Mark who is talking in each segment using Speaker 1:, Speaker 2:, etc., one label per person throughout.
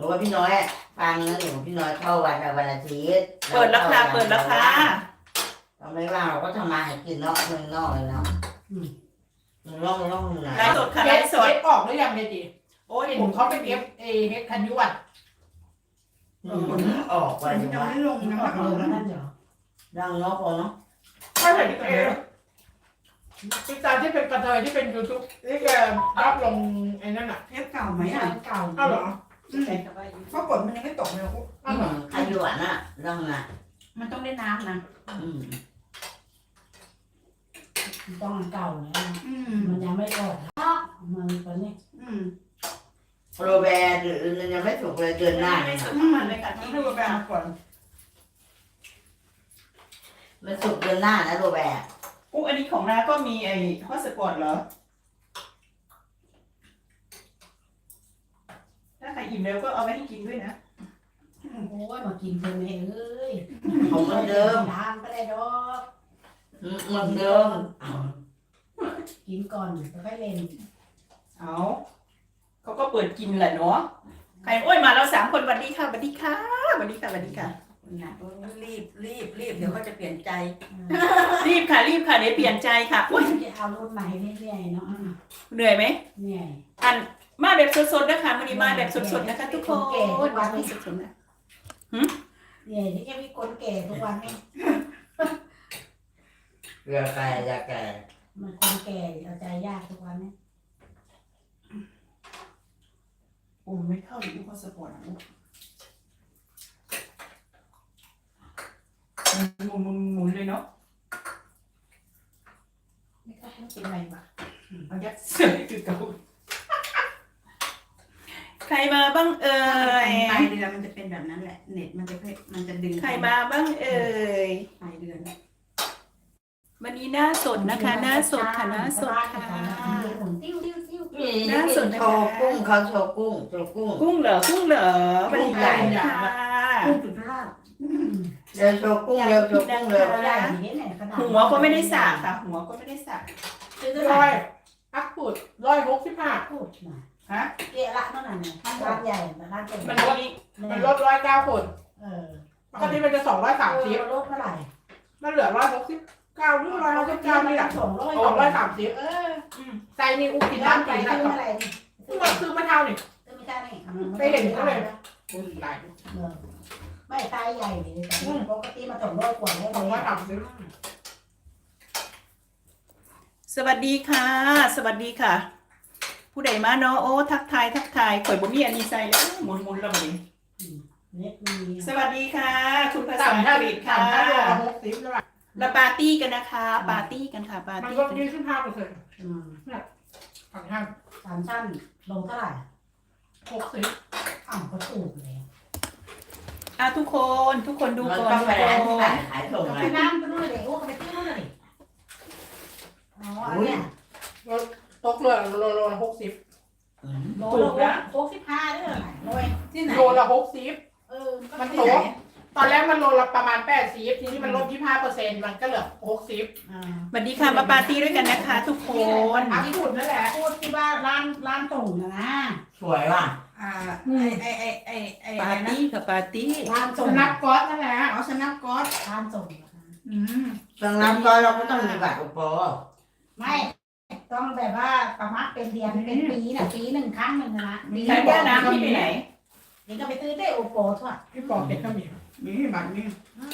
Speaker 1: รู้ว่าพี่น้อยฟังนะเดี๋ยวพี่น้อยเข้าวันอาทิตย์
Speaker 2: เปิดแล้วค่ะเปิดแล้วค่ะ
Speaker 1: เราไม่ว่างเราก็ทำมาหากินนอกเมืองนอกเลยเนาะเมืองนอกไหน
Speaker 2: ไลฟ์สดค่ะไลฟ์สด
Speaker 3: เอฟออกหรือยังเมจิโอ้ยผมเขาเป็นเฮดคันยุวัต
Speaker 1: ออกไป
Speaker 4: จะไม่ลงนะ
Speaker 1: ออกเลยนั่นเหรอดังเนาะพอเนาะ
Speaker 3: ไม่เห็นพี่ตาที่เป็นกระเทยที่เป็นยูทูบที่แกรับลงไอ้นั่นอ่ะ
Speaker 4: เทปเก่าไหมอ่ะเก่า
Speaker 3: เอ้าเหรอ
Speaker 4: เพราะฝนมันยังไม่ตกเลย
Speaker 3: อ้าวเหรอ
Speaker 1: ใครอยู่อ่ะน่ะดังน่ะ
Speaker 4: มันต้องได้น้ำนะ
Speaker 5: ต้องเก่าเนี่ยมันยังไม่ออกมันตอนนี้
Speaker 1: โรแบร์หรือยังไม่ถูกเลยเดือนหน้า
Speaker 2: ไม่
Speaker 1: เนี่ย
Speaker 2: สุดทั้งวันเลยค่ะ
Speaker 4: ต้อง
Speaker 2: ที่
Speaker 4: ให้โรแบร์มาก่อน
Speaker 1: มันถูกเดือนหน้านะโรแบร์
Speaker 2: อันนี้ของน้าก็มีไอ้ฮอตสปอร์ตเหรอถ้าใครอิ่มแล้วก็เอาไว้ให้กินด้วยนะ
Speaker 5: โอ้ยมากินเธอแม่เอ้ย
Speaker 1: ของเหมือนเดิม
Speaker 5: ทานก็ได้ดอก
Speaker 1: เหมือนเดิม
Speaker 5: กินก่อนแล้วค่อยเล่น
Speaker 2: เอาเขาก็เปิดกินแหละเนาะใครโอ้ยมาเรา3 คนสวัสดีค่ะสวัสดีค่ะสวัสดีค่ะสวัสดีค่ะ
Speaker 4: รีบเดี๋ยวเขาจะเปลี่ยนใจ
Speaker 2: รีบค่ะเดี๋ยวเปลี่ยนใจค่ะอุ้ย
Speaker 5: จะเอารุ่นไหนเรื่อยๆเนาะ
Speaker 2: เหนื่อยไหม
Speaker 5: เนี่ย
Speaker 2: อันมาแบบสดๆนะคะวันนี้มาแบบสดๆนะคะทุกคนมาแบบสดๆนะ
Speaker 5: เนี่ยที่แค่มีคนแก่ทุกวันนี่
Speaker 1: เรือไก่ยาไก่
Speaker 5: มันคนแก่เอาใจยากทุกวันนี่
Speaker 2: โอ้ไม่เข้าหรือฮอตสปอร์ตนะหมุนเลยเนาะไม่กล้าให้เป็นไรบ้างเอายัดเสื้อคือเก่าใครมาบ้างเอ่ย
Speaker 4: ปลายเดือนมันจะเป็นแบบนั้นแหละเน็ตมันจะดึง
Speaker 2: ใครมาบ้างเอ่ย
Speaker 4: ปลายเดือน
Speaker 2: วันนี้หน้าสดนะคะหน้าสดค่ะหน้าสดค่ะ
Speaker 5: ติ้วติ้วติ้ว
Speaker 1: นี่โชว์กุ้งเขาโชว์กุ้ง
Speaker 2: กุ้งเหรอวันนี้ใหญ่ค่ะ
Speaker 4: กุ้งจุดรอด
Speaker 1: เดี๋ยวโชว์กุ้งเร็วโชว์กุ้งเร็ว
Speaker 5: ใหญ่อย่างนี้ไหนขนาด
Speaker 2: หัวก็ไม่ได้สระค่ะ หัวก็ไม่ได้สระ
Speaker 5: ซื้อเท่า
Speaker 3: ร้
Speaker 5: ไห
Speaker 3: อ
Speaker 5: ร่
Speaker 3: ยอักปุด165
Speaker 5: พูดหน่อย
Speaker 2: ฮะ
Speaker 5: เกะละนั่นน่ะเนี่ยร้านใหญ่ร้านใหญ่
Speaker 3: มันลด109 คน ปกติมันจะ230
Speaker 5: ลดเท่าไหร่
Speaker 3: มันเหลือ169หรือ169นี่แหละ 230ใจนี่อุกินน้ำใจ
Speaker 5: ซื้
Speaker 3: นะ
Speaker 5: ออะไรนี่
Speaker 3: ซื้อมาเท่านี่
Speaker 5: ซื้อไม่ได้นี่
Speaker 3: อุ้ยหลาย
Speaker 5: ไม่ตายใหญ่เลยแต่ปกติมา200 กว่าแล้วเลย
Speaker 2: สวัสดีค่ะ สวัสดีค่ะ ผู้ใดมาเนาะโอ้ทักทายข่อยบ่มีอันนี้ใส่แล้วหมุนแล้วบัดนี้
Speaker 5: เน็ตมี
Speaker 2: สวัสดีค่ะ คุณภาษา
Speaker 3: ต่ำ
Speaker 2: อัง
Speaker 3: ถ้าก
Speaker 2: ฤษค่ะ
Speaker 3: ต่ำถ้าโลละ60แล้ว
Speaker 2: เราปาร์ตี้กันนะคะปาร์ตี้กันค่ะปาร์
Speaker 3: มัน
Speaker 2: ตี้
Speaker 3: ลด
Speaker 2: กัน
Speaker 3: 25%ฝั่งห้าง
Speaker 5: 3 ชั้นลงเท่าไหร่
Speaker 3: 60
Speaker 5: อ้าวก็ถูกเลย
Speaker 2: ทุกคนดู
Speaker 1: มัน
Speaker 2: ก่อน
Speaker 1: ต้อง
Speaker 2: ดู
Speaker 1: ไป
Speaker 2: ก่
Speaker 1: ร้านที่
Speaker 2: อน
Speaker 1: ขายส่ง
Speaker 5: ไป
Speaker 1: นะ
Speaker 5: น้ำไปนู่นเลยโอ้ไปซื้อนู่นเลยอ๋อเนี่ย
Speaker 3: ตกเลยโลละ60
Speaker 5: โลละ65ด้วยโลที่ไหน
Speaker 3: โลละ60มันตกตอนแรกมันโลละประมาณ80ทีนี้มันลด25%มันก็เหลือ60
Speaker 2: สวัสดีค่ะมาปาร์ตี้ด้วยกันนะคะ ทุกคน
Speaker 3: อักปุดนั่นแหละ
Speaker 5: พูดที่ว่าร้านส่งนะ
Speaker 1: สวยว่ะ
Speaker 4: ไอ้
Speaker 2: ปาร์ตี้ค่ะปาร์ตี้
Speaker 5: ร้านส่ง
Speaker 3: สนับก๊อตนั่นแหละ
Speaker 4: อ๋อสนับก๊อต
Speaker 5: ร้านส่ง
Speaker 1: ดังนั้นก็เราก็ต้องมีบัตรอุปโภค
Speaker 5: ไม่ต้องแบบว่าประมาณเป็นเดือนเป็นปีน่ะปีหนึ่งครั้งหนึ่งนะปี
Speaker 2: ใช้แก้วน้ำที่ไปไหน
Speaker 5: นี่ก็ไปซื้อได้โอโปทั่ว
Speaker 3: พี่บอกเด็กก็มี
Speaker 4: นี่บัตรนี่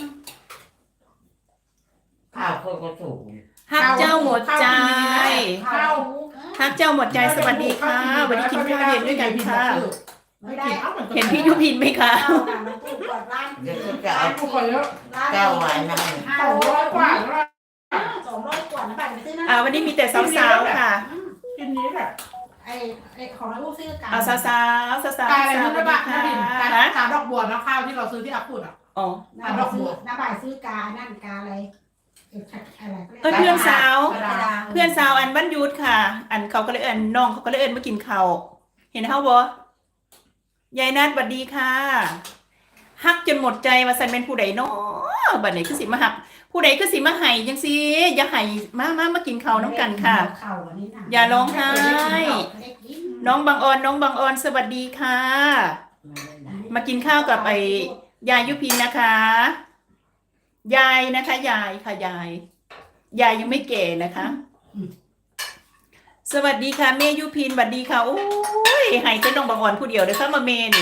Speaker 1: ข้าวโคตรก็ถูก
Speaker 2: ฮักเจ้าหมดใจ
Speaker 3: ข้าว
Speaker 2: ฮักเจ้าหมดใจสวัสดีค่ะวันนี้กินข้าวเย็นด้วยกันค่ะ
Speaker 5: ไม่ได้
Speaker 2: เห็นพี่ยุพินไหมคะ
Speaker 5: ข้าวน่ะมันถูกกว่าร้าน
Speaker 1: เดี๋ยวก็จะ
Speaker 3: ไอ้
Speaker 1: เอา
Speaker 3: ผู้คนเยอะ
Speaker 5: ร้าน
Speaker 1: แก้วไวน์นั่ง
Speaker 3: 200 กว่าแล้ว
Speaker 5: 200 กว่านะบัตรไปซื้อนะ
Speaker 2: วันนี้มีแต่สาวๆค่ะ
Speaker 3: กินนี้แหละ
Speaker 5: ไอ้ของลูกซื้อกัน
Speaker 2: เอาสาวๆสาวๆ
Speaker 3: กายอะไร
Speaker 2: สวั
Speaker 3: นั่
Speaker 2: ส
Speaker 3: น
Speaker 2: ดี
Speaker 3: นะบ้า
Speaker 2: ค่ะ
Speaker 3: น้าบินกาดอกบัวนะข้าวที่เราซื้อที่อักปุดอ่ะ
Speaker 2: อ๋อ
Speaker 5: น้าบ่ายซื้อกานั่นกาอะไรอะไร
Speaker 2: เพื่อนสาวเพื่อนสาวอันบ้านยุทธค่ะ อันเขาก็เลยน้องเขาก็เลยมากินข้าวเห็นเขาบ่ยายนัทสวัสดีค่ะฮักจนหมดใจมาสันเป็นผู้ใดเนาะบัดนี้คือสิมาฮักผู้ใดคือสิมาไห้จังซี่อย่าไห้มากินข้าวน้ำกันค่ะ อย่าร้องไห้ น้องบางออนสวัสดีค่ะมากินข้าวกับไอ้ยายยุพินนะคะ ยายนะคะ ยายค่ะยายยังไม่แก่นะคะ สวัสดีค่ะเมยุพินสวัสดีค่ะโอ้ยให้เจ้าน้องบางอ่อนผู้เดียวเด้อค่ะมาเมนี่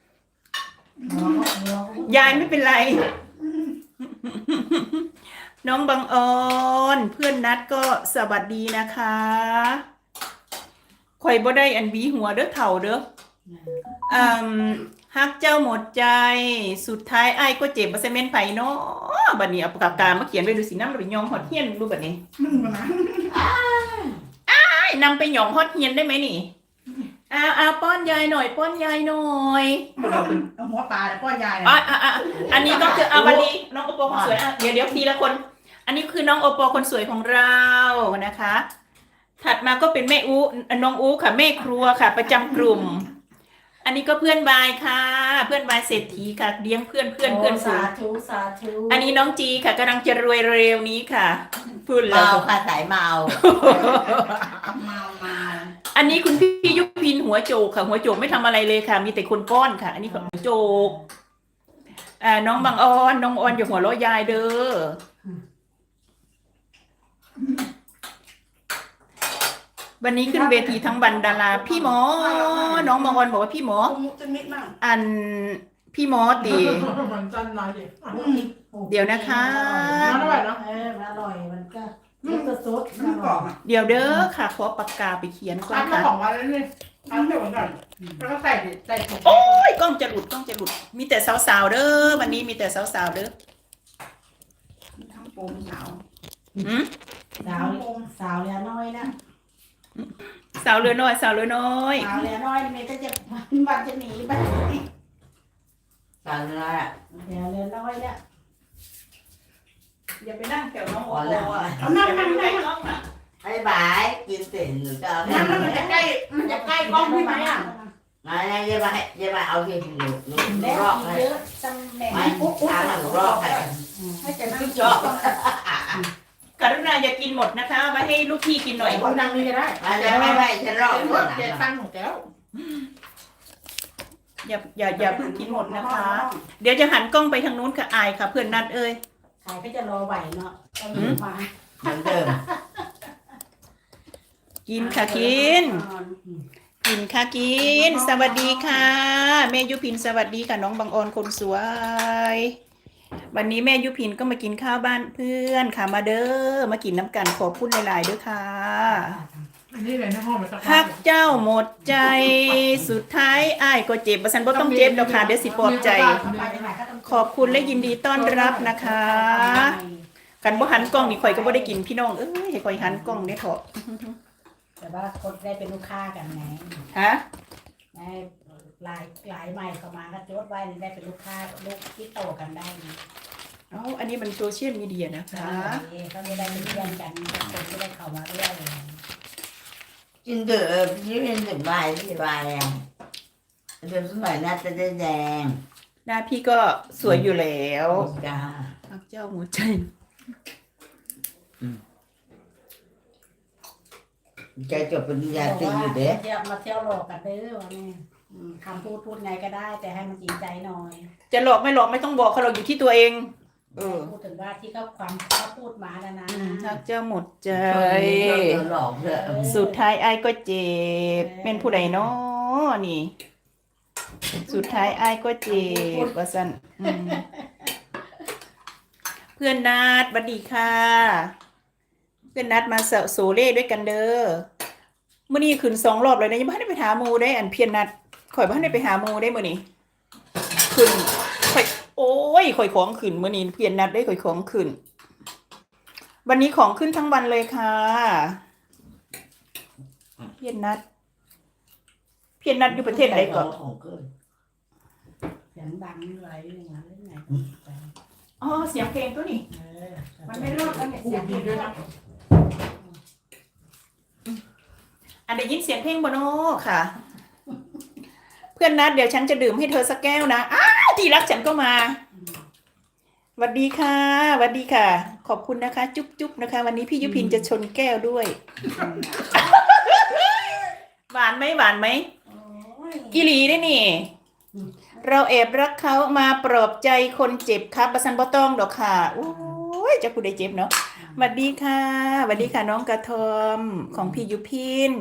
Speaker 2: ยายไม่เป็นไร น้องบางอ่อนเพื่อนนัดก็สวัสดีนะคะข่อยบ่ได้อันบีหัวเด้อเถ่าเด้อฮักเจ้าหมดใจสุดท้ายอ้ายก็เจ็บบ่ใช่แม่นไผเนาะบัดนี้เอาปากกามาเขียนไว้ดูสินำไปยองฮอดเฮียนดูบัดนี้ นำไปหยองฮอดเฮียนได้ไหมนี่เอาป้อนยายหน่อยป้อนยายหน่อย
Speaker 4: เอาหัวปลาแล้วก็ยาย
Speaker 2: อันนี้ก็คือวันนี้น้องโอปอคนสวยเดี๋ยวทีละคน อันนี้คือน้องโอปอคนสวยของเรานะคะ ถัดมาก็เป็นแม่อูน้องอูค่ะแม่ครัวค่ะ ประจำกลุ่ม อันนี้ก็เพื่อนบายค่ะ เพื่อนบายเศรษฐีค่ะเลี้ยงเพื่อนสาธุอันนี้น้องจีค่ะกำลังจะรวยเร็วนี้ค่ะพูดแล้ว
Speaker 1: เมาค่ะสายเมา
Speaker 2: อันนี้คุณพี่ยุพินหัวโจกค่ะหัวโจกไม่ทำอะไรเลยค่ะ มีแต่คนป้อนค่ะ อันนี้หัวโจกน้องบางออนน้องออนอย่าหัวเราะยายเด้อวันนี้ขึ้นเวทีทั้งบรรดาราพี่หมอน้องบางออนบอกว่าพี่หมอ
Speaker 4: จะนิดมาก
Speaker 2: อันพี่หมอตี
Speaker 3: มันจันน้อยดิ
Speaker 2: เดี๋ยวนะคะ
Speaker 3: มันอร่อยเนาะ
Speaker 5: มันอร่อยมันก็สด
Speaker 4: มันกรอบอ่ะ
Speaker 2: เดี๋ยวเด้อค่ะขอปากกาไปเขียนก่อน
Speaker 3: ทำมา
Speaker 2: ค่ะ
Speaker 3: 2 วันแล้วนี่ทำเดี๋ยวก่อนแล้วก็ใส่ถุง
Speaker 2: โอ้ยกล้องจะหลุดมีแต่สาวๆเด้อวันนี้มีแต่สาวๆเด้อ
Speaker 4: ทั้งโปมสาว
Speaker 5: สาวเรือน้อยนะ
Speaker 2: สาวเรือน้อย
Speaker 5: สาวเรือน้อยนี่ก็จะมันจะหนีไป
Speaker 1: ตอนนั้นอ่ะ
Speaker 5: เรือน้อยเนี่ย
Speaker 2: อย่าไปนั่งแถวน้องโอ
Speaker 1: พอ
Speaker 2: โอ
Speaker 1: แล้ว
Speaker 2: อ่ะ
Speaker 5: นั่ง
Speaker 1: บายบายกินเสร็จหนูจะเอา
Speaker 3: นั่นมันจะใกล้กล้องพี่ไหมอ่ะ
Speaker 1: มาเย็บมาเอาที่หนู
Speaker 5: แล้ว
Speaker 1: รอกให้
Speaker 5: เยอะตำแหน่ง
Speaker 1: ไม่ทางหนูรอกให้
Speaker 5: ให้จะนั่ง
Speaker 1: ชอบ
Speaker 2: กรุณาอย่ากินหมดนะคะไว้ให้ลูกพี่กินหน่อย
Speaker 3: คนดังนี่ก็ได้
Speaker 1: ไม่ฉันรอก
Speaker 3: เป็น
Speaker 1: ก่อน
Speaker 3: เจ๊ตั้งของแก้ว
Speaker 2: อย่าเพิ่งกินหมดนะคะ เดี๋ยวจะหันกล้องไปทางนู้นค่ะอายค่ะ เพื่อนนัดเอ้ย
Speaker 5: ขายก็จะรอไหวเนาะต้องมา
Speaker 1: เหมือนเดิม
Speaker 2: กินค่ะกินค่ะกินสวัสดีค่ะแม่ยุพินสวัสดีค่ะน้องบางออนคนสวย วันนี้แม่ยุพินก็มากินข้าวบ้านเพื่อนค่ะมาเด้อมากินน้ำกันขอบคุณหลายๆด้วยค่ะ
Speaker 3: อันนี้เลยในห้องมันจะ
Speaker 2: ฮักเจ้าหมดใจสุดท้ายอ้ายก็เจ็บบ่ซันบ่ต้องเจ็บแล้วค่ะเดี๋ยวสิปลอบใจ ขอบคุณและยินดีต้อนรับนะคะกันบ่หันกล้องนี่ข่อยก็บ่ได้กินพี่น้องเอ้ยให้ข่อยหันกล้องได้เถอะ
Speaker 5: แต่ว่าคนได้เป็นลูกค้ากันไง
Speaker 2: ฮะ
Speaker 5: ได้หลายใหม่เข้ามาก็จดไว้ได้เป็นลูกค้าลูกที่โตกันได้
Speaker 2: เอ้าอันนี้มันโซเชียลมีเดียนะคะ
Speaker 5: ก็ไม่ได้เป็นเพื่อนกันคนไม่ได้เข้ามาเรื่อย
Speaker 1: กินเดือดนี่เป็นถึงใบที่ใบอ่ะเดือดสมัยน่าจะได้แดง
Speaker 2: หน้าพี่ก็สวยอยู่แล้ว
Speaker 1: จ้า
Speaker 2: ฮักเจ้าหมดใจ
Speaker 1: ใจจบปริญญาตรีอยู่เด้
Speaker 5: จะมาเที่ยวหลอกกันเด้อว่าแม่คำพูดไงก็ได้ แต่ให้มันจริงใจหน่อย
Speaker 2: จะหลอกไม่หลอกไม่ต้องบอกเขาหรอกอยู่ที่ตัวเอง
Speaker 5: พูดถึงว่าที่เขาพูดมาแล้วนะ
Speaker 2: ฮักเจ้าหมดใจ
Speaker 1: หลอกเถอะ
Speaker 2: สุดท้ายไอ้ายก็เจ็บเป็นผู้ใดเนาะนี่ สุดท้ายไอ้ายก็เจ็บว่าซั่นเพื่อนนัดสวัสดีค่ะ เพื่อนนัดมาโซเล่ด้วยกันเด้อมื้อนี้ขึ้น2 รอบเลยนะยังบ่ทันได้ไปหาหมู่ได้อันเพียนนัดข่อยบ่ทันได้ไปหาหมู่ได้มื้อนี้ขึ้นข่อยโอ้ยข่อยของขึ้นมื้อนี้เพียนนัดได้ข่อยของขึ้น วันนี้ของขึ้นทั้งวันเลยค่ะเพียนนัดอยู่ประเทศไหนก่อน
Speaker 5: เสียงดังอะไรอย่างเงี้ยเล่นไง
Speaker 2: อ๋อเสียงเพลงตัวนี้มันไม่รอดแล้วเนี่ยเสียงเพลงด้วยนะอันได้ยินเสียงเพลงบ่โน่ค่ะ เพื่อนนัดเดี๋ยวฉันจะดื่มให้เธอสักแก้วนะที่รักฉันก็มาสวัสดีค่ะสวัสดีค่ะ ขอบคุณนะคะ จุ๊บๆนะคะ วันนี้พี่ยุพินจะชนแก้วด้วย หวานไหมอีหลีได้นี่เราแอบรักเขามาปลอบใจคนเจ็บครับประสันบ่ต้องดอกค่ะโอ้ยจะผู้ใดเจ็บเนาะสวัสดีค่ะสวัสดีค่ะน้องกระทอมของพี่ยุพิน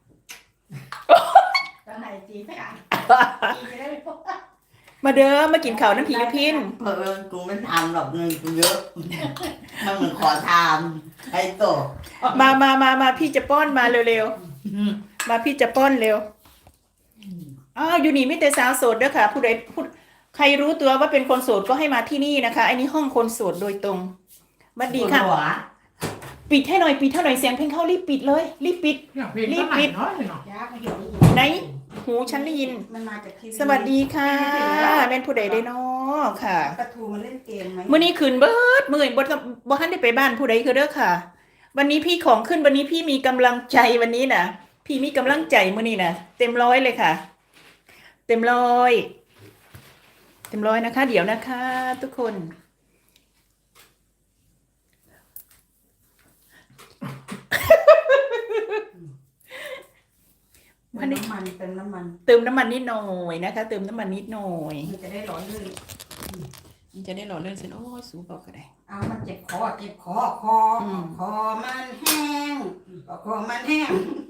Speaker 5: ตอนไหนจีไม่อ่านจีจะได้ไม่พบ
Speaker 2: มาเด้อมากินข้าวน้ำผียุพิน
Speaker 1: เออกูไม่ทำหรอกเงินกูเยอะมันเหมือนขอทำไอ้โต
Speaker 2: มาพี่จะป้อนมาเร็วๆมาพี่จะป้อนเร็วอ้าวอยู่นี่ไม่แต่สาวโสดเด้อค่ะผู้ใดใครรู้ตัวว่าเป็นคนโสดก็ให้มาที่นี่นะคะไอ้นี่ห้องคนโสดโดยตรงสวัสดีค่ะ
Speaker 1: หัว
Speaker 2: ปิดให้หน่อยปิดให้หน่อยเสียงเพลงเข้ารีบปิดเลยรีบปิด
Speaker 3: อยากเพลงก็ไหนเนาะเนาะ
Speaker 5: ยากไม่เห็นได้ยิน
Speaker 2: ไหนหูฉันได้ยิน
Speaker 4: มันมาจากทีวี
Speaker 2: สวัสดีค่ะแม่นผู้ใดได้น้อค่ะ
Speaker 4: ปลาทูมันเล่นเกมไหม
Speaker 2: มื้อนี้คืนเบิดมื้อนี้บ่ทันได้ไปบ้านผู้ใดคือเด้อค่ะ วันนี้พี่ของขึ้นวันนี้พี่มีกำลังใจวันนี้น่ะ พี่มีกำลังใจมื้อนี้น่ะเต็มร้อยเลยค่ะ เต็มร้อยนะคะ เดี๋ยวนะคะ ทุกคน
Speaker 4: มันน้ำมันเติมน้ำมัน
Speaker 2: เติมน้ำมันนิดหน่อยนะคะ เติมน้ำมันนิดหน่อย
Speaker 4: มันจะได้ร้อนลื่น
Speaker 2: มันจะได้หล่อเลื่อนเส้นโอ้ยสูบอกก็ได้
Speaker 4: เอามันเจ็บคอคอมันแห้งคอมันแห้ง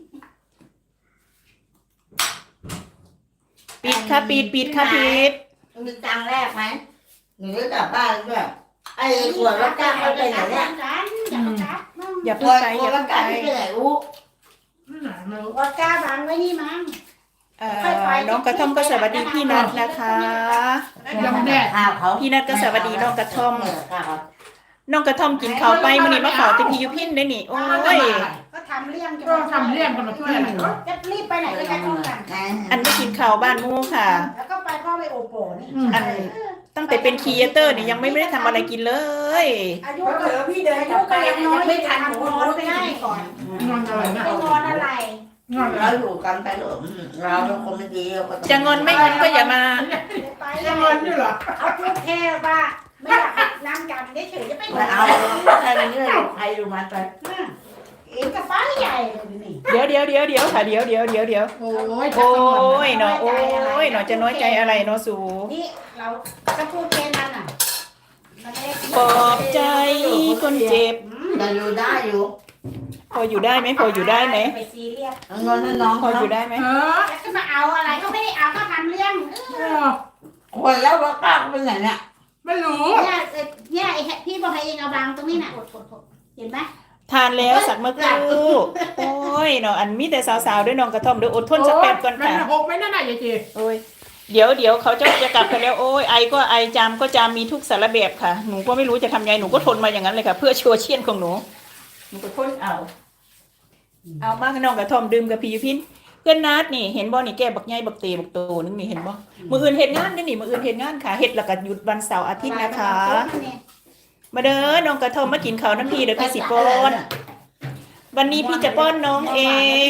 Speaker 2: ปิดค่ะปิดค่ะปิด
Speaker 1: มีตังค์แรกไหมหนูจะกลับบ้านด้วยไอ้ขวดรถก้าเขาไปไหนเนี่ย
Speaker 5: อย่า
Speaker 1: ข
Speaker 5: เพิ่
Speaker 1: ว
Speaker 5: ง
Speaker 1: ด
Speaker 2: ไป
Speaker 1: ขวดรถก้าที่ไปไหนอู้
Speaker 3: นั่นไหนไม่รู้
Speaker 5: วัดก้าบังไว้นี่มั้ง
Speaker 2: น้องกระท่อมก็สวัสดีพี่นัทนะคะ
Speaker 3: ยังแดด
Speaker 1: ข้าวเขา
Speaker 2: พี่นัทก็สวัสดีน้องกระท่อม
Speaker 1: ข้าวเขา
Speaker 2: น้องกระท่อมกินข้าวไปมื้อนี้มาขอแต่พี่ยุพินได้นี่โอ้ย
Speaker 5: ก็ทำเรื่อง
Speaker 3: ก็ทำเรื่องกันมาช่วยอะไรก็
Speaker 5: จะรีบไปไหนก็จะต้องกัน
Speaker 2: อันไม่กินข้าวบ้านหมู่ค่ะ
Speaker 5: แล้วก็ไปพ่อไปโอโปนี่
Speaker 2: อันตั้งแต่เป็นครีเอเตอร์เนี่ยยังไม่ได้ทำอะไรกินเลย
Speaker 5: อายุ
Speaker 4: เผลอพี่เดิน
Speaker 5: อาก
Speaker 4: ลั
Speaker 5: ยุ
Speaker 4: บไป
Speaker 5: ก็ยังน้อย
Speaker 4: ไม่ทัน
Speaker 5: นอนไปได้ก่อน
Speaker 3: งอนอะไรนะ
Speaker 5: ไปนอนอะไร
Speaker 3: งอน
Speaker 1: เราอยู่กันไปเถอะเราเป็นคนไม่ดีเราก็
Speaker 2: จะงอนไม่งอนก็อย่ามา
Speaker 5: ไป
Speaker 3: ยังงอนอยู่เหรอ
Speaker 5: เอาพูดแค่ว่าไม่อยากให้น้ำกันเฉยๆจะไปน
Speaker 1: ไม่
Speaker 5: อน
Speaker 1: เอาใครเป็นเรื่องใครดูมันไป
Speaker 5: เองกับป้าใหญ่เลยนี่
Speaker 2: เดี๋ยวค่ะเดี๋ยว
Speaker 3: โอ้ย
Speaker 2: โอ้ยเนาะโอ้ยเนาะจะน้อยใจอะไรเนาะสู
Speaker 5: นี่เราจะพูดแค่นั้นน่ะ
Speaker 2: ปลอบใจคนเจ็บ
Speaker 1: เราอยู่ได้อยู่
Speaker 2: พออยู่ได้ไหมพออยู่ได้ไหม
Speaker 5: ไปซีเรียส
Speaker 1: เงินน้อง
Speaker 2: พออยู่ได้ไหม
Speaker 3: เออ
Speaker 5: แล้วจะมาเอาอะไรก็ไม่ได้เอาก็ทำเรื่อง
Speaker 1: คนแล้วว่าก้าวเป็นไงเนี่ย
Speaker 3: ไม่รู้
Speaker 5: เนี่ยไอ้พี่บอกให้เองเอาบางตรงนี้น่ะเห็นไหม
Speaker 2: ทานแล้วสักเมื่อครู่โอ้ยเนาะอันมีแต่สาวๆด้วยน้องกระท่อมเดี๋ยวอดทนสักแป๊บก่อน
Speaker 3: มัน
Speaker 2: ค่ะ
Speaker 3: หกไม่นั่นน่ะยายจี
Speaker 2: โอ้ยเดี๋ยวเขาจะกลับไปแล้วโอ้ยไอก็ไอจามก็จามมีทุกสารแบบค่ะหนูก็ไม่รู้จะทำไงหนูก็ทนมาอย่างนั้นเลยค่ะ เพื่อชัวเชียนของหนูก็ทนเอามากน้องกระท่อมดื่มกับพี่ยุพินเพื่อนนัดนี่เห็นบ่นี่แกบักใหญ่บักเตบักโตนึงนี่เห็นบ่มื้ออื่นเฮ็ดงานเด้อนี่มื้ออื่นเฮ็ดงานค่ะเฮ็ดแล้วก็หยุดวันเสาร์อาทิตย์นะคะ มาเด้อน้องกระท่อมมากินข้าวน้ำพี่เดี๋ยวพี่สิป้อนวันนี้พี่จะป้อนน้องเอง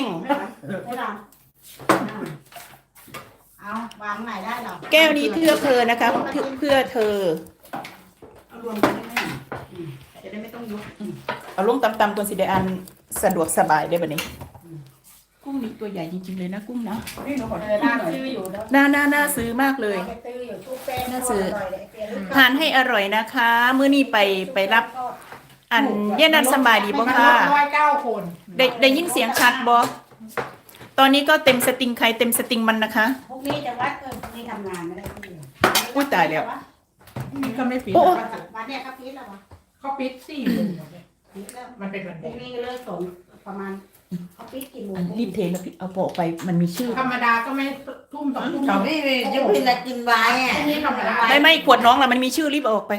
Speaker 5: เอาวางไหนได้หรอ
Speaker 2: แก้วนี้เพื่อเธอนะคะเพื่อเธอ
Speaker 4: เอารวมกันได้ไหมจะได้ไม่ต้องยก
Speaker 2: เอาลงตำๆตัวสิได้อันสะดวกสบายได้บัดนี้ กุ้งนี่ตัวใหญ่จริงๆเลยนะกุ้งนะ
Speaker 4: นี่หนูขอ
Speaker 5: เอ
Speaker 4: โท
Speaker 5: อ
Speaker 4: ษ
Speaker 5: น่า
Speaker 4: หน่อย
Speaker 5: ซื้ออยู่แล้ว
Speaker 2: น่าซื้อมากเลย
Speaker 5: ไปซื้ออยู่ชุบแป้ง
Speaker 2: น่าซื้อ
Speaker 5: ร่อยเลยเปลี่ยน
Speaker 2: ทานให้อร่อยนะคะ มื้อนี้ไปรับอันเย็นนันสำบายดีบ่
Speaker 3: มัน
Speaker 2: ค่ะ
Speaker 3: 109 คน
Speaker 2: ได้ยินเสียงชัดบ่ตอนนี้ก็เต็มสติงใครเต็มสติงมันนะคะ
Speaker 5: พวกนี้จะวัดพวกนี้ทำงานไม่ได้ที่
Speaker 2: อุ๊ยตายแล้ว
Speaker 3: นี่ก็ไม่ปิด
Speaker 5: วันเนี้ยครับพีทแล้ววะ
Speaker 3: เขาปิด4 โมง
Speaker 5: พีทแล้ว
Speaker 3: มันเป็นวัน
Speaker 5: พ
Speaker 3: แด
Speaker 5: วก
Speaker 3: ง
Speaker 5: นี้ก็เลิกส่งประมาณเขาพีทกี่โมง
Speaker 2: อันรีบเทแล้วพี่เอาปอกไปมันมีชื่อ
Speaker 3: ธรรมดาก็ไม่ทุ่ม2 ทุ่ม
Speaker 1: เขาไม่มียุพินกินไว้อะ
Speaker 3: นี่ธรรมดา
Speaker 2: ไม่ขวดน้องล่ะมันมีชื่อรีบเอาออกไป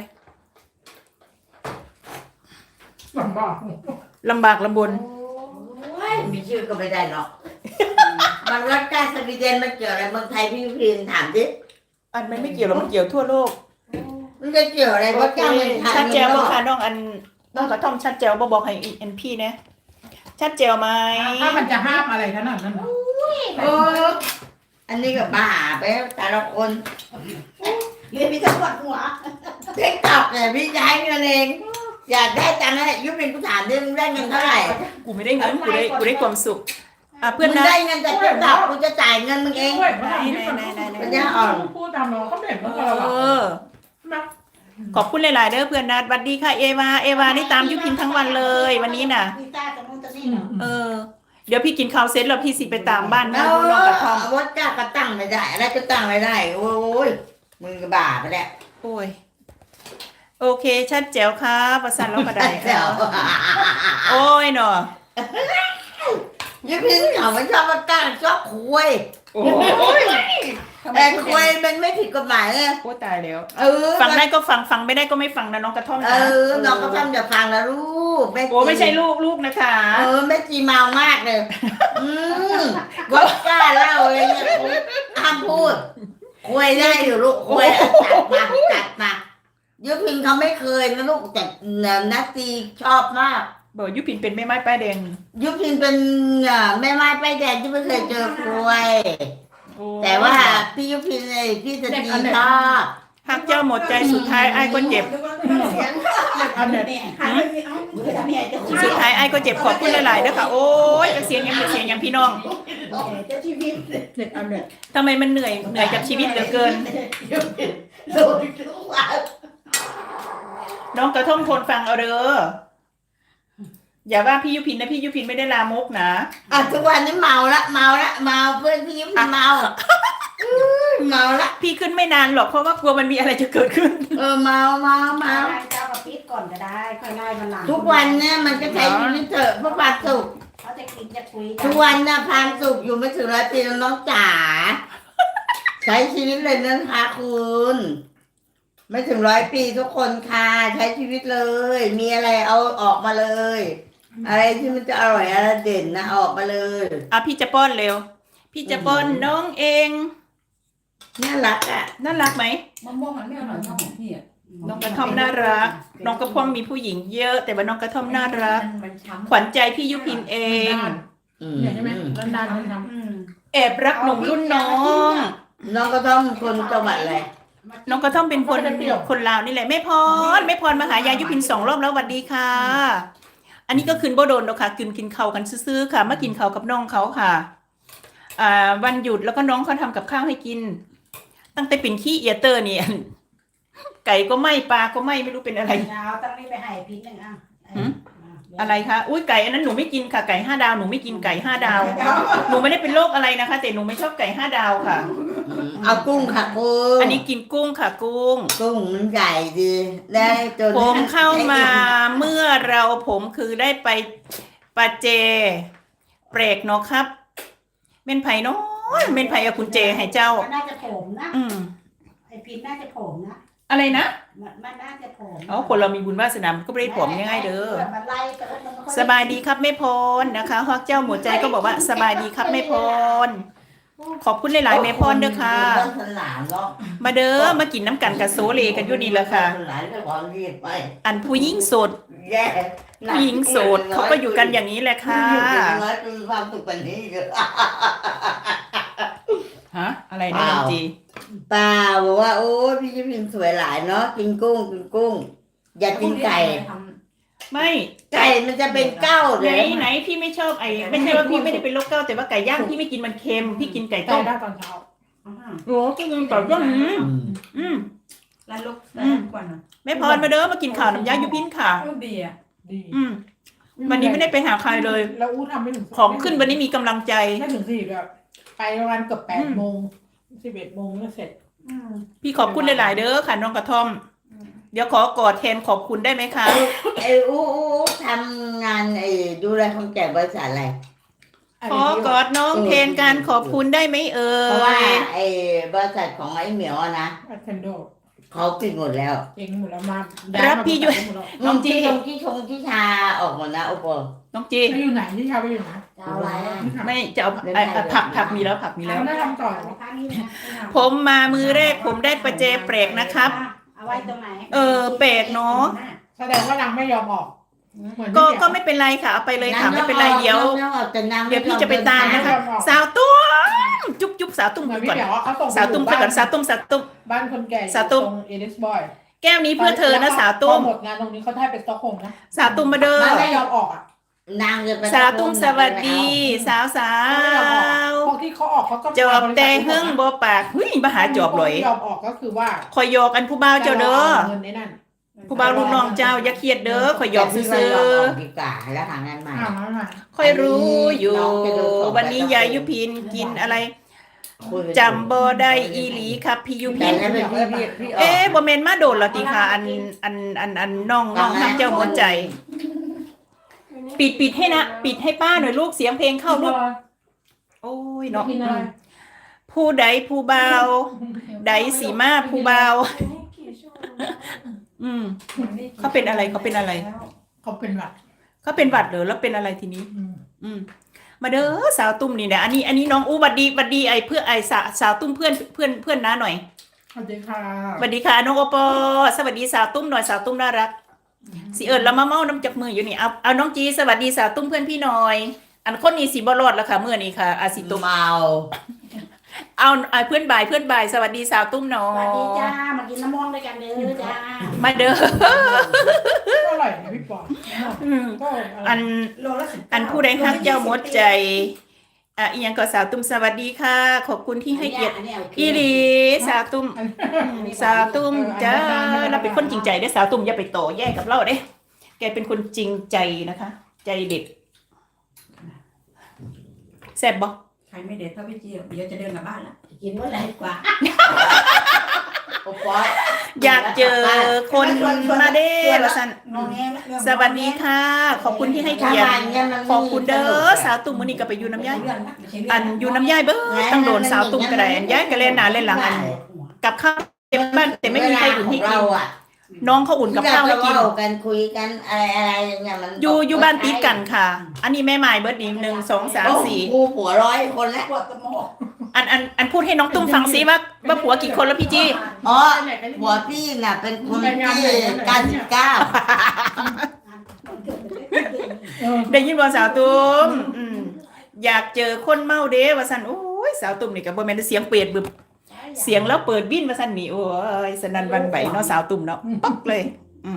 Speaker 3: ลำบาก
Speaker 2: ลำบากลำบน
Speaker 1: มีชื่อก็ไม่ได้หรอกมันรักการสวีเดนมันเกี่ยวอะไรเมืองไทยพี่ยุพินถามดิ
Speaker 2: อันมันไม่เกี่ยวหรอกมันเกี่ยวทั่วโลก
Speaker 1: มันจะเกี่ยวอะไรว่าเจ้าเมืองไทย
Speaker 2: ชัดแจวบ่ค่ะน้องอันน้องกระท่อมชัดแจวบ่บอกให้อันพี่นะชัดแจวไหม
Speaker 3: ถ้ามันจะห้ามอะไรขนาดนั้น
Speaker 1: เอออันนี้ก็บ้าไปแต่ละคน
Speaker 5: เรียนมีทั้งหมดหัว
Speaker 1: เด็กตอบแต่พี่ย้ายเงินเองอยากได้ตังค์อะไรยุพินกูถามดิมึงได้เงินเท่าไหร่
Speaker 2: กูไม่ได้เงินกูได้ความสุขเพื่อน
Speaker 1: มึง
Speaker 2: นะ
Speaker 1: ได้เงินจากติ๊กต็อกกูจะจ่ายเงินมึงเอง ปัญญาอ่อน
Speaker 3: พูดตามน้องเขาเห็น
Speaker 2: เอ
Speaker 3: ว่าเรา
Speaker 2: อขอบคุณหลายๆเด้อเพื่อนนัดสวัสดีค่ะเอวานี่ตามยุพินทั้งวันเลยวันนี้น่ะ
Speaker 5: พี่ต้าตรงนู้นตรงนี้เนาะ
Speaker 2: เออเดี๋ยวพี่กินข้าวเสร็จแล้วพี่สิไปตามบ้านแม่
Speaker 1: เอา
Speaker 2: ดูน้องกระท่อม
Speaker 1: วัดจ้าก็ตั้งไม่ได้อะไรก็ตั้งไม่ได้ โอ้ยมึงก็บ้าไปแล้ว
Speaker 2: โอ้ยโอเคชัดแจ๋วครับประสานเราก็ได้
Speaker 1: เดี๋ยว
Speaker 2: โอ้ยเนาะ
Speaker 1: ยิ่งพี่เขาไม่ชอบมาตั้งชอบคุย
Speaker 2: โอ้ย
Speaker 1: แต่คุยมันไม่ผิดกฎหมายเลย
Speaker 2: โอ้ตายแล้ว
Speaker 1: เออ
Speaker 2: ฟังได้ก็ฟังไม่ได้ก็ไม่ฟังนะน้องกระท่อม
Speaker 1: เอ
Speaker 2: นะ
Speaker 1: อน้องก็ทำจะฟังนะลูก
Speaker 2: โอ้ไม่ใช่ลูกนะคะ
Speaker 1: เออแม่จีเมามากเลยวัดกล้าเล่าอะไรเงี้ยห้ามพูดคุยได้อยู่ลูกคุยจัดมายุพินเขาไม่เคยนะลูกแต่นัตตีชอบมาก
Speaker 2: บอกยุพินเป็นแม่ไม้ป้ายแดง
Speaker 1: ยุพินเป็นแม่ไม้ป้ายแดงที่ไม่เคยเจอคุย
Speaker 2: โอ้
Speaker 1: แต่ว่าพี่ยุพินเลยพี่สตีชอบ
Speaker 2: หักเจ้าหมดใจสุดท้ายไอ้ก็เจ็บ
Speaker 3: อันเนี้ย
Speaker 5: เนี่ยหาไม่มีเอาเนี่ยจะ
Speaker 2: สุดท้ายไอ้ก็เจ็บขอบคุณหลายๆเด้อค่ะโอ้ยเสียงยังเป็นเสียงอย่างพี่น้อง
Speaker 5: เจ้าชีวิต
Speaker 3: เด็กอันเนี้ย
Speaker 2: ทำไมมันเหนื่อยกับชีวิตเหลือเกิน
Speaker 1: โดนทุกวัน
Speaker 2: น้องกระท่อมทนฟังเอาเด้ออย่าว่าพี่ยุพินนะพี่ยุพินไม่ได้ลามกนะ
Speaker 1: ทุกวันนี้เมาเพื่อนพี่ยุพินเมาละ
Speaker 2: พี่ขึ้นไม่นานหรอกเพราะว่ากลัวมันมีอะไรจะเกิดขึ้น
Speaker 1: เมา
Speaker 5: เจ้ากับปิดก่อนก็ได้ค่อยไล่มันหลัง
Speaker 1: ทุกวันเนี่ยมันก็ใช้ชีวิตเถอะเพื่อความสุข
Speaker 5: เขาจะกินจะคุย
Speaker 1: ทุกวันน่ะความสุขอยู่ไม่ถึง100 ปีน้องจ๋าใช้ชีวิตเลยนะคะคุณไม่ถึง100 ปีทุกคนค่ะใช้ชีวิตเลย มีอะไรเอาออกมาเลย อะไรที่มันจะอร่อยอะไรเด่นนะออกมาเลย
Speaker 2: พี่จะป้อนเร็ว พี่จะป้อนน้องเอง
Speaker 1: น่ารักอ่ะ
Speaker 2: น่ารักไหม
Speaker 6: มะม่วงมันไม่อร่อยเท่าของพี่อ่ะ
Speaker 2: น้องกระท่อมน่ารัก น้องกระท่อมมีผู้หญิงเยอะ แต่ว่าน้องกระท่อมน่ารัก
Speaker 6: มันช้ำ
Speaker 2: ขวัญใจพี่ยุพินเอง
Speaker 3: เนี่ยใช่ไหมนานๆมันท
Speaker 2: แอบรักหนุ่มรุ่นน้อง
Speaker 1: น้องก็ต้องคนจังหวัดอะไร
Speaker 2: น้องกระท่อมเป็นคนลาวนี่แหละแม่พรมาหายายยุพิน2 รอบแล้วสวัสดีค่ะ อันนี้ก็คืนบ่โดนแล้วค่ะกินข้าวกันซื้อๆค่ะมากินข้าวกับน้องเขาค่ะวันหยุดแล้วก็น้องเขาทำกับข้าวให้กิน ตั้งแต่เป็นขี้เอียเตอร์นี่ ไก่ก็ไม่ปลาก็ไม่รู้เป็นอะไร
Speaker 5: ดาวตั้งนี้ไปให้พิษหนึ่งอ่ะ
Speaker 2: อะไรคะอุ้ยไก่อันนั้นหนูไม่กินค่ะไก่5 ดาวหนูไม่กินไก่5 ดาวหนูไม่ได้เป็นโรคอะไรนะคะ แต่หนูไม่ชอบไก่5 ดาวค่ะ
Speaker 1: เอากุ้งค่ะกุ้ง
Speaker 2: อันนี้กินกุ้งค่ะกุ้ง
Speaker 1: กุ้งมันใหญ่ดีได้จน
Speaker 2: ผมเข้ามาเมื่อผมคือได้ไปปาเจเปรกเนาะครับเม่นไผ่น้อยเม่นไผ่กับคุณเจให้เจ้า
Speaker 5: มันน่าจะผมนะ ไอพิษน่าจะผมนะ
Speaker 2: อะไรนะ
Speaker 5: มันน่าจะผม
Speaker 2: เอาคนเรามีบุญวาสนามันก็ไม่ได้ผมง่ายๆเด้อ
Speaker 5: มันไล่แต่ว่ามันไม่ค่อ
Speaker 2: สบายดีครับแม่พรนะคะฮอกเจ้าหมดใจก็บอกว่าสบายดีครับแม่พรขอบคุณหลายๆแม่พรเด้อค่ะ
Speaker 1: สนามเนาะ
Speaker 2: มาเด้อมากินน้ำกันกับโซเลกันอยู่นี่แหละค่ะ
Speaker 1: สนามก็ขอรีบไป
Speaker 2: อันผู้หญิงโสด
Speaker 1: แย่
Speaker 2: ผู้หญิงโสดเขาก็อยู่กันอย่างนี้แหละค่ะ
Speaker 1: น้อยคือความสุขกว่านี้เยอะ
Speaker 2: ฮะอะไรนะน้องจี
Speaker 1: ป้าบอกว่าโอ้พี่ยุพินสวยหลายเนาะกินกุ้ง อย่ากินไก่
Speaker 2: ไม่
Speaker 1: ไก่มันจะเป็นเก้าเล
Speaker 2: ไหน
Speaker 1: ย
Speaker 2: พี่ไม่ชอบไม่ใช่ว่าพี่ไม่ได้เป็นโรคเก้าแต่ว่าไก่ย่างพี่ไม่กินมันเค็มพี่กินไก่
Speaker 3: ำ
Speaker 2: ต้ม
Speaker 3: ได้ตอนเช้า
Speaker 2: โอ้ก็กินไก่ต้มอืม
Speaker 6: แล้วลูกแล้วกว่านะ
Speaker 2: แม่พรมาเด้อมากินข้าวน้ำยายุพินค่ะ
Speaker 6: ดีอ่ะ
Speaker 3: ดี
Speaker 2: วันนี้ไม่ได้ไปหาใครเลย
Speaker 3: แล้วอู้ทำไม่ถึง
Speaker 2: ของขึ้นวันนี้มีกำลังใจ
Speaker 3: ไม่ถึง4แบบไปประมาณเกือบ8 โมง 11 โมงก็เสร็จ
Speaker 2: พี่ขอบคุณหลายๆเด้อค่ะน้องกระท่อม เดี๋ยวขอกอดแทนขอบคุณได้ไหมคะ
Speaker 1: ไอ้อู้ทำงานดูแลคนแก่บริษัทอะไร
Speaker 2: ขอกอดน้องแทนการขอบคุณได้ไหมเอ่
Speaker 1: เพราะว่าย บริษัทของไอ้เหมียวอะนะ
Speaker 3: อัเทนโด
Speaker 1: เขาปิดหมดแล้ว
Speaker 3: เองหมดแล้วมา
Speaker 2: รับพี่อยู่ น้องจี้
Speaker 1: ที่ชาออกหมดนะโอปอ
Speaker 2: น้องจี
Speaker 3: ไปอยู่ไหนที่ชาไปอยู่ไหน
Speaker 5: จะเอาอะไรอ่ะ
Speaker 2: ไม่จะเอาผักมีแล้วผักมีแล้ว
Speaker 3: ได้ทำต่อ
Speaker 5: เอาข้างนี้นะ
Speaker 2: ผมมามือแรกผมได้ประเจเปรกนะครับ
Speaker 5: เอาไว้ตรงไหน
Speaker 2: แปลกเนาะ
Speaker 3: แสดงว่านางไม่ยอมออกเหมือน
Speaker 2: ก็ไม่เป็นไรค่ะเอาไปเลยค่ะไม่เป็นไรเดี๋ยว เดี๋ยวพี่จะไปตามนะคะ สาวตุ้มจุ๊บสาวตุ้ม
Speaker 3: เหมือนพี่
Speaker 2: ก่อน
Speaker 3: เดี๋ยวเขาส่ง
Speaker 2: สาวตุ้มก่อนสาวตุ้ม
Speaker 3: บ้านคนแก่
Speaker 2: สาวตุ้ม
Speaker 3: ตรงเอลิสบอย
Speaker 2: แก้วนี้เพื่อเธอนะสาวตุ้ม
Speaker 3: พอหมดงานตรงนี้เขาได้เป็นสต็อกโฮล์นะ
Speaker 2: สาวตุ้มมาเด้อ
Speaker 3: นางไม่ยอมออกอ่ะ
Speaker 1: นางจะไป
Speaker 2: สาวตุ้มสวัสดี สาวสาว
Speaker 3: พวกที่เขาออกเขาก็
Speaker 2: จอบแต่เฮิงบ่ปากเฮ้ยมาหาจอบเลย
Speaker 3: ยอมออกก็คือว่า
Speaker 2: คอยหยอกอันผู้บ่าวเจ้าเด้อ
Speaker 3: เงินในนั่น
Speaker 2: ผู้บ่าวลูกน้องเจ้าอย่าเครียดเด้อคอยหยอก
Speaker 1: แต่พี่
Speaker 2: ซื่
Speaker 1: ว่า
Speaker 2: อ
Speaker 1: ยอมออกดีกว่าแล้วหางานใหม่
Speaker 3: อ้าวนั่นน่ะ
Speaker 2: ๆคอยรู้อยู่ วันนี้ยายยุพินกินอะไรจำบ่ได้อีหลีครับพี่ยุ
Speaker 1: แต่
Speaker 2: พิน
Speaker 1: นั้นเป็นพี่ออก
Speaker 2: เอ๊ะบ่แม่นมาโดนแล้วติค่ะอันน้องฮักเจ้าหัวใจ ปิดให้นะปิดให้ป้าหน่อยลูกเสียงเพลงเข้าลูกโอ้ยเนาะผู้ใดผู้เบาใดสีมาผู้เบาเขาเป็นอะไรเขาเป็นอะไร
Speaker 3: เขาเป็นหวัด
Speaker 2: เขาเป็นหวัดเหรอแล้วเป็นอะไรทีนี้ มาเด้อสาวตุ้มนี่นะอันนี้น้องอู้บัดดีไอเพื่อไอสาวตุ้มเพื่อนน้าหน่อย
Speaker 3: สวัสดีค่ะ
Speaker 2: สวัสดีค่ะน้องโอปอสวัสดีสาวตุ้มหน่อยสาวตุ้มน่ารักสิเอิญแล้วมาเมาน้ำจากมืออยู่นี่เอาน้องจีสวัสดีสาวตุ้มเพื่อนพี่หน่อย อันคนนี้สีบอลอดแล้วค่ะเมื่อนี้ค่ะอาสิตุ้ม
Speaker 1: เมา
Speaker 2: เอาเพื่อนบ่ายสวัสดีสาวตุ้มหน่อ
Speaker 5: สวัสดี
Speaker 2: ย
Speaker 5: จ้ามากินน้ำม่วงด้วยกันเด้อจ้า
Speaker 2: มาเด้อ
Speaker 3: ก็อร่อยนะพี่ปอก็
Speaker 2: อันผู้ใดฮักเจ้าหมดใจอีหยังก็สาวตุ้มสวัสดีค่ะ ขอบคุณที่ให้เกียรติอีหลีสาวตุ้มสาวตุ้มจ้าเราเป็นคนจริงใจได้อสาวตุ้มอย่าไปโตแย่กับเราเด้แกเป็นคนจริงใจนะคะ ใจเด็ดแซ่บบ่
Speaker 4: ใครไม่เด็ดเท่าพี่เจี๊ยบเดี๋ยวจะเดินกลับบ้านละ
Speaker 5: กินว่าอะไรกว่า
Speaker 1: โอ้ปอย
Speaker 2: อยากเจอคนมาเด้อละสัน
Speaker 4: น้องแง่เรื่อง
Speaker 2: สวัสดีค่ะ ขอบคุณที่ให้เกียรติขอบคุณเด้อสาวตุ้มมื้อนี้ก็ไปอยู่น้ำย่ายอันอยู่น้ำย่ายเบ้อต้องโดนสาวตุ้มก็ได้อันย้ายก็เล่นหน้าเล่นหลังอันกับข้าวเต็มบ้านแต่ไม่มีใครอุ่นให้กิ
Speaker 1: เรา
Speaker 2: น
Speaker 1: อ่ะ
Speaker 2: น้องเขาอุ่นกับข้าวให้กิน
Speaker 1: เรากันคุยกันอะไรอย่างเงี้ยมัน
Speaker 2: อยู่บ้านติดกันค่ะ อันนี้แม่หมายเบิร์ดดี1 2 3 4
Speaker 1: กูผัว100 คนแล้ว
Speaker 4: ปวดสมอง
Speaker 2: อันพูดให้น้องตุ้มฟังซิว่าผัวกี่คนแล้วพี่จี้
Speaker 1: อ๋อผัวพี่น่ะเป็นคนที่99
Speaker 2: ได้ยินบ่สาวตุ้มอยากเจอคนเมาเด้ว่าซั่นโอ้ยสาวตุ้มนี่ก็บ่แม่นเสียงเปิดบึบเสียงแล้วเปิดบินว่าซั่นนี่โอ้ยสนั่นหวันไหวเนาะสาวตุ้มเนาะปักเลย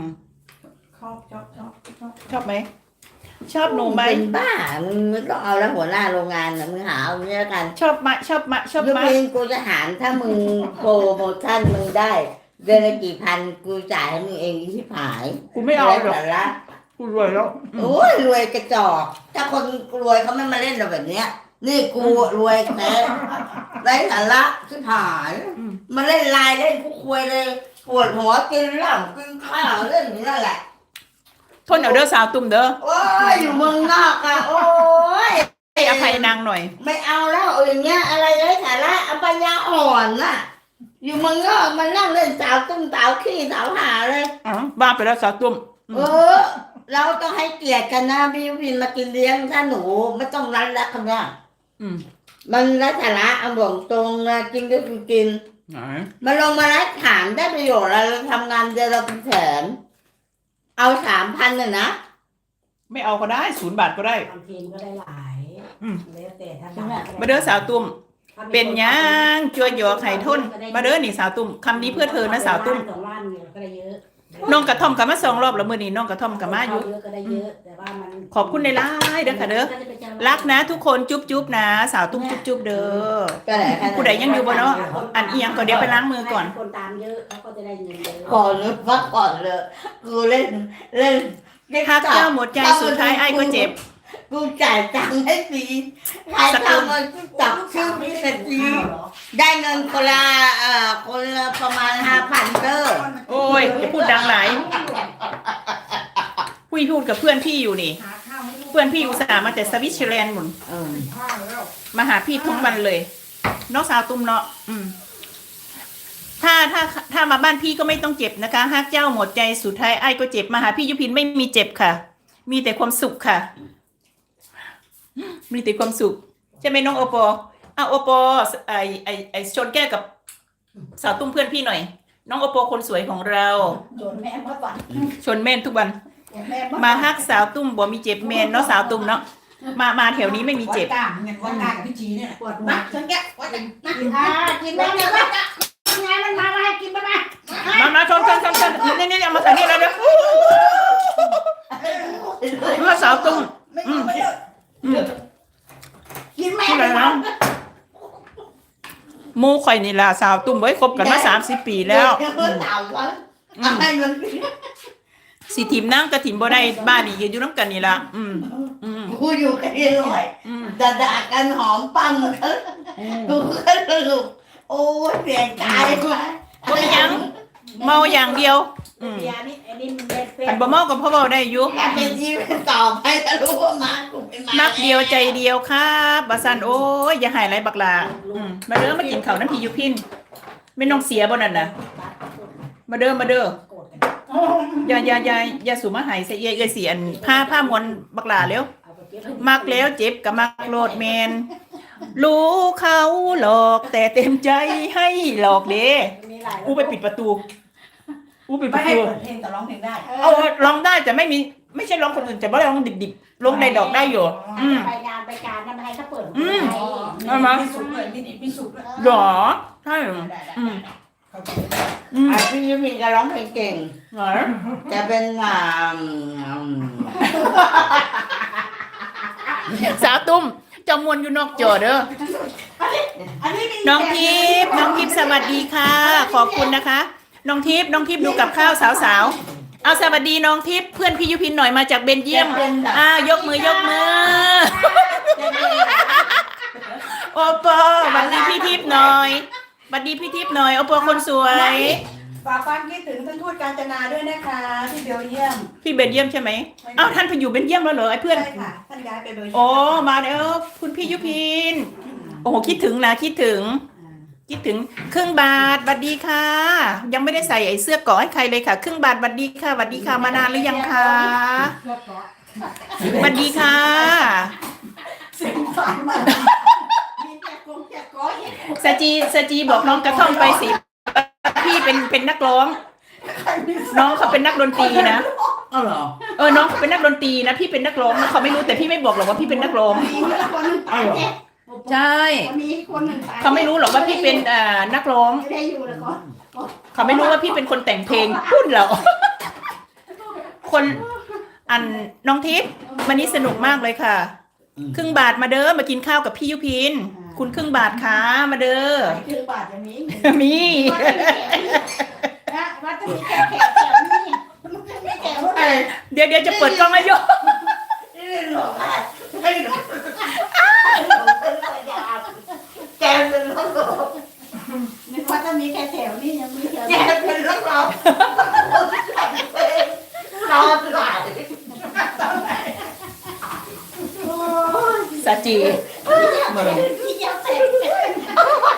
Speaker 2: ชอบไหมชอบหนูไหม
Speaker 1: เป็นบ้ามึงไม่ต้องเอาแล้วหัวหน้าโรงงานน่ะมึงหาเอาเนี้ยกัน
Speaker 2: ชอบมะชอบ
Speaker 1: ยก
Speaker 2: มะ
Speaker 1: เว้นกูจะหารถ้ามึงโปรโมชั่นมึงได้เดือนละกี่พันกูจ่ายให้มึงเองที่ผาย
Speaker 2: กูไม่เอาหรอก
Speaker 1: แต่ละ
Speaker 2: กูรวยแล้ว
Speaker 1: โอ้ยรวยกระจอก ถ้าคนรวยเขาไม่มาเล่นเราแบบเนี้ย นี่กูรวยแท้ไร้สาระที่ผายมาเล่นไลน์เล่นกูคุยเลยปวดหัวกินเหล้ากินข้าวเล่นอย่างนั้นแหละ
Speaker 2: ทนเอาเด้อสาวตุ้มเด้อ
Speaker 1: โอ้ยอยู่เมืองนอกอะโอ้ย
Speaker 2: ให้อภัยนางหน่อย
Speaker 1: ไม่เอาแล้วอย่างเงี้ยอะไรไร้สาระเอาปัญญาอ่อนน่ะ อยู่เมืองนอกมันนั่งเล่นสาวตุ้มสาวขี้สาวหาเลย
Speaker 2: บ้าไปแล้วสาวตุ้ม
Speaker 1: เราต้องให้เกียรติกันนะพี่วินมากินเลี้ยงถ้าหนูไม่ต้องรัดแล้วคำเนี้ยมันไร้สาระเอาบอกตรงนะกินก็คือกินมาลงมารัดถามได้ประโยชน์อะไรเราทำงานเดือนเราเป็นแสนเอา3,000น่ะนะ
Speaker 2: ไม่เอาก็ได้0 บาทก็ได้
Speaker 5: บางทีก็ได้หลายแล้วแต่ถ้า
Speaker 2: มาเด้อสาวตุ้มเป็นยังจัวหยอกไข่ทุนมาเด้อนี่สาวตุ้มคำนี้เพื่อเธอนะสาวตุ้ม
Speaker 5: 2 ล้านเนี่ยก็ได้เยอะ
Speaker 2: น้องกระท่อมกับมา2 รอบแล้วมื้อนี้น้องกระท่อมกับมาอยู่
Speaker 5: เยอะก็ได้เยอะแต่ว่ามัน
Speaker 2: ขอบคุณในไลน์เด้อค่ะเด้อรักนะทุกคนจุ๊บๆนะสาวตุ้มจุ๊บๆเด้อ
Speaker 1: ก็แหละ
Speaker 2: ผู้ใดยังอยู่บ่เนาะอันเอียงก็เดี๋ยวไปล้างมือก่อน
Speaker 5: คนตามเยอะเขาก็จะได้เงินเยอะ
Speaker 1: ก่อนนึกว่าก่อนเลยกูเล่น
Speaker 2: ฮักเจ้าหมดใจสุดท้ายไอ้ก็เจ็บ
Speaker 1: กูจ่ายตังค์ให้ฟรีใครทำมันจับชื่อพี่สักทีได้เงินคนละประมาณ5,000เด้อ
Speaker 2: โอ้ยอย่าพูดดังหลายพูดกับเพื่อนพี่อยู่นี่ เพื่อนพี่อุตส่าห์มาแต่สวิตเซอร์แลนด์หมุนมาหาพี่ทุกวันเลยน้องสาวตุ้มเนาะถ้ามาบ้านพี่ก็ไม่ต้องเจ็บนะคะฮักเจ้าหมดใจสุดท้ายไอ้ก็เจ็บมาหาพี่ยุพินไม่มีเจ็บค่ะ มีแต่ความสุขค่ะ มีแต่ความสุขใช่ไหมน้องโอปอโอปอไอชนแก้วกับสาวตุ้มเพื่อนพี่หน่อย น้องโอปอคนสวยของเรา
Speaker 5: โดนแม่มาฝัน
Speaker 2: ชนแม่นทุกวันมาฮักสาวตุ้มบ่มีเจ็บแม่นเนาะสาวตุ้มเนาะมาแถวนี้ไม่มีเจ็บ
Speaker 4: วัดกลางเงินวัดกลางพี่จีเนี่ย
Speaker 5: ปวดหัว
Speaker 4: นักฉันแกวัด
Speaker 5: กินแม่เนี่ยว่าไงมันมาให้กินมา
Speaker 2: มาชนนี่เอามาใส่นี่แล้วเด้อมาสาวตุ้ม
Speaker 5: กินแม่
Speaker 2: อะไรนะหมู่ข่อยนี่ล่ะสาวตุ้มไว้คบกันมา30 ปีแล้ว
Speaker 1: เดี๋ยมันถามว่าอะไรมัน
Speaker 2: สิทีมนั่งกระถิ่นบ่ได้บ้านนี่ยืนอยู่น้ำกันนี่ล่ะ
Speaker 1: กูอยู่กันเองเลยด่ากันหอมปั้มกันกูก็สรุปโอ้ยเสียใจว่ะ
Speaker 2: บ่มีหยังเมาอย่างเดียว
Speaker 5: เบียร์นี่ไอ้นี่มันเป็น
Speaker 2: คันบ่เมาก็พอเว้าได้อยู่
Speaker 1: แค่เป็นชีวิตต่อไปจะรู้ว่ามากูเป็นมา
Speaker 2: มักเดียวใจเดียวครับบ่ซั่นโอ้ยอย่าหายไรบักหลามาเด้อมากินข้าวน้ำพี่ยุพินไม่น้องเสียบ่นั่นน่ะมาเด้ออย่าสู่มาหายใส่เอ้ยสิอันผ้ามวนบักหลาเร็วมักแล้วเจ็บก็มักโลดแมนรู้เขาหลอกแต่เต็มใจให้หลอกเด้อู้ไปปิดประตูอู้ปิดป
Speaker 6: ไม่
Speaker 2: ระ
Speaker 6: ให้
Speaker 2: ตู
Speaker 6: เปิดเพลงแต่ร้องเพลงได้
Speaker 2: เอาร้องได้แต่ไม่ใช่ร้องคนอื่นแต่ว่าร้องดิบๆร้องในดอกได้อยู่
Speaker 5: ไปงานไปการทำให้เขาเปิด
Speaker 2: เอามา
Speaker 6: มีสุกเลยมีดิบมีสุกด้วย
Speaker 2: หรอใช่
Speaker 1: พี่ยุพินจะร้องเพลงเก่ง
Speaker 2: เหรอ
Speaker 1: จะเป็น
Speaker 2: สาวตุ้มจำมวนอยู่นอกจอเด้อน้องทิพย์สวัสดีค่ะ ขอบคุณนะคะน้องทิพย์ดูกับข้าวสาวๆเอาสวัสดีน้องทิพย์เพื่อนพี่ยุพินหน่อยมาจากเบลเยียมยกมือโอปอสวัสดีพี่ทิพย์หน่อยสวัสดีพี่ทิพย์หน่อยโอปอคนสวย
Speaker 6: ฝากความคิดถึงท่านทูตกาญจนาด้วยนะคะที่เบลเยียม
Speaker 2: พี่เบลเยียมใช่ไหมอ้าวท่านไปอยู่เบลเยียมแล้วเหรอไอ้เพื่อน
Speaker 6: ใช่ค่ะท่านย้ายไปเบลเยียม
Speaker 2: โอ้มาเด้อคุณพี่ยุพินโอ้โหคิดถึงครึ่งบาทบัดดีค่ะ ยังไม่ได้ใส่ไอ้เสื้อเกาะให้ใครเลยค่ะครึ่งบาทบัดดีค่ะมานานหรือยังคะบัดดีค่ะ สจีบอกน้องกระท่อมไปสิพี่เป็นนักร้อง น้องเขาเป็นนักดนตรีนะ
Speaker 1: อ๋อเหรอ
Speaker 2: น้องเขาเป็นนักดนตรีนะพี่เป็นนักร้องนะเขาไม่รู้แต่พี่ไม่บอกหรอกว่าพี่เป็นนักร้องใช่เขาไม่รู้หรอกว่าพี่เป็นนักร้อง
Speaker 5: ไม่ได้อยู่แล้วก็
Speaker 2: เขาไม่รู้ว่าพี่เป็นคนแต่งเพลงพูดเหรอคนอันน้องทิพย์วันนี้สนุกมากเลยค่ะครึ่งบาทมาเด้อมากินข้าวกับพี่ยุพินคุณครึ่งบาทค่ะมาเด้อ
Speaker 5: ครึ่งบาทอย่างนี้
Speaker 2: มี
Speaker 5: ว่าจะมีแขกนี่ไม่แขกรุ่นไหน
Speaker 2: เดี๋ยวจะเปิดกล้องให้โย
Speaker 1: แกเป็นนักร้อง
Speaker 5: นึกว่าจะมีแขกแถวนี่ยังมีแถว
Speaker 1: แกเป็นนักร้องรอตลอด
Speaker 2: สาจี
Speaker 5: ที่ยังแตก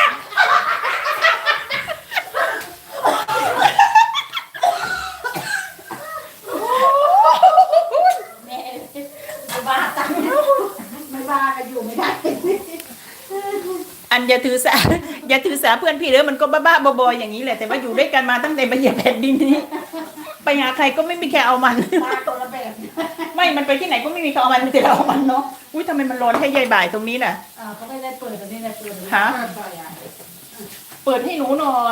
Speaker 5: แม่ไม่บ้าตังไม่บ้ากันอยู่ไม่ได้
Speaker 2: อันอย่าถือสาเพื่อนพี่เด้อมันก็บ้าๆบอๆอย่างนี้แหละแต่ว่าอยู่ด้วยกันมาตั้งแต่มาเหยียบแผ่นดินนี้ไปหาใครก็ไม่มีใครเอามัน
Speaker 5: บ้าตัวละแบบ
Speaker 2: ไม่มันไปที่ไหนก็ไม่มีใครเอามันมีแต่เราเอามันเนาะอุ้ยทำไมมันร้อนแค่ใยบ่ายตรงนี้น่ะ
Speaker 5: เขาไม่ได้เปิดตรงนี้นะเปิด
Speaker 2: ฮะเปิดให้หนูหน่อย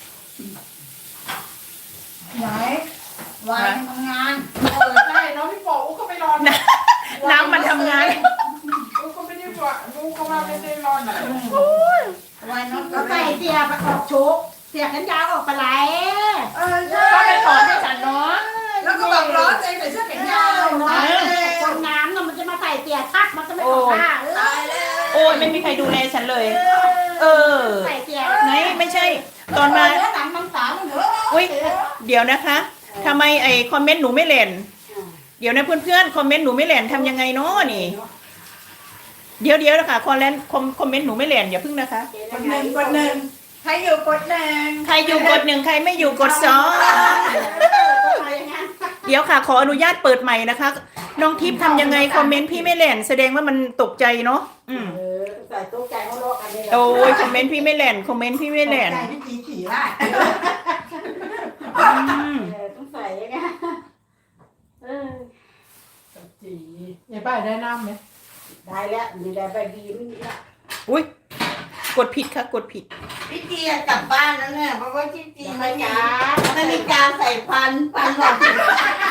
Speaker 5: ไหนวายทำงาน
Speaker 3: ใช่น้องพี่บอกอุ๊ก็ไม่รอน
Speaker 2: น้ำมันทำงาน
Speaker 3: อุ๊ก็ไม่ได้ว่าอุ๊ก็ว่าไม่ได้รอนอ่ะ
Speaker 5: วายน้องก็ใส่เสียประกอบโชกเสียกันยาวออกไปไหล
Speaker 6: ใช่
Speaker 2: ก็ไปถอนให้ฉันเนาะ
Speaker 6: แล้วก็แบบร้อนใจใส่เสื้อแขนยาว
Speaker 5: เนาะคนน้ำเนาะมันจะมาใส่เสียทักมันจะไม่ออกผ้า
Speaker 6: ตายแล้ว
Speaker 2: โอ้ยไม่มีใครดูแลฉันเลย
Speaker 5: ใส่เสีย
Speaker 2: ไหนไม่ใช่ ตอนมา
Speaker 5: เนื้อหนังมังสาเหรอ
Speaker 2: อุ้ยเดี๋ยวนะคะทำไมไอคอมเมนต์หนูไม่เล่นเดี๋ยวนะเพื่อนๆคอมเมนต์หนูไม่เล่นทำยังไงเนาะนี่เดี๋ยวนะคะคอมเมนต์หนูไม่เล่นอย่าพึ่งนะคะ
Speaker 6: กดหนึ่งใครอยู่กดหนึ่ง
Speaker 2: ใครอยู่กด 1ใครไม่อยู่กด2เดี๋ยวค่ะขออนุญาตเปิดใหม่นะคะน้องทิพย์ทำยังไงคอมเมนต์พี่ไม่เล่นแสดงว่ามันตกใจเนาะ
Speaker 5: ใส่ตู้ใจเขาโลกอันนี้
Speaker 2: โอ้ยคอมเมนต์พี่ไม่เล่นคอมเมนต์พี่ไม่เล่น
Speaker 6: ใจพี่จีขี่ได้
Speaker 5: ต้องใส่ยังไง
Speaker 3: จียายป้ายได้น้ำไหม
Speaker 5: ได้แล้วมีได้ไปดีไม่มีละ
Speaker 2: อุ้ยกดผิดค่ะกดผิด
Speaker 1: พี่จีกลับบ้านแล้วเนี่ยเพราะว่าพี่จีไม่มีการใส่ฟันหลอด